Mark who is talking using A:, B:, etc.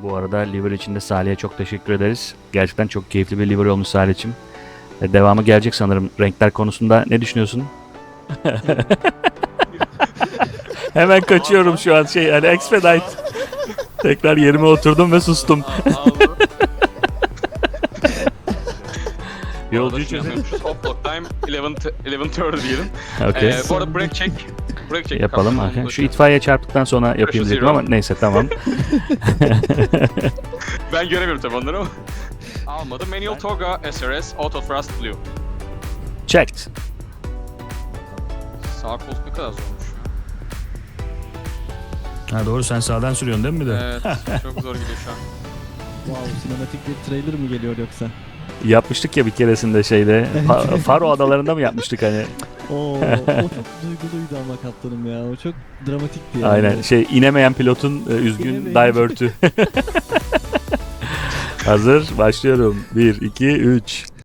A: Bu arada liver için de Salih'e çok teşekkür ederiz. Gerçekten çok keyifli bir liver olmuş Salih'cim. Devamı gelecek sanırım. Renkler konusunda ne düşünüyorsun? Hemen kaçıyorum şu an hani expedite. Tekrar yerime oturdum ve sustum. Yolcuyu çözelim.
B: Hop block time 11:30 diyelim.
A: Okay.
B: Bu arada break check. Break check
A: Yapalım.
B: kaptanım,
A: Aha.
B: onu da
A: Şu
B: şey-
A: itfaiye çarptıktan sonra yapayım
B: Pressure
A: dedim
B: zero.
A: ama neyse tamam.
B: Ben göremiyorum tabii onları ama. Almadım. Manual Toga SRS Auto Thrust Blue.
A: Checked.
B: Sağ koltuk ne kadar zormuş ya.
A: Ha doğru, sen sağdan sürüyorsun değil mi bir de?
B: Evet, çok zor gidiyor şu an.
C: Wow, sinematik bir trailer mi geliyor yoksa?
A: Yapmıştık ya bir keresinde Faro adalarında mı yapmıştık hani?
C: Oo, o çok duyguluydu ama kaptanım ya. O çok dramatikti yani.
A: Aynen inemeyen pilotun üzgün
C: İnemeyen.
A: divert'ü. Hazır, başlıyorum. 1, 2, 3.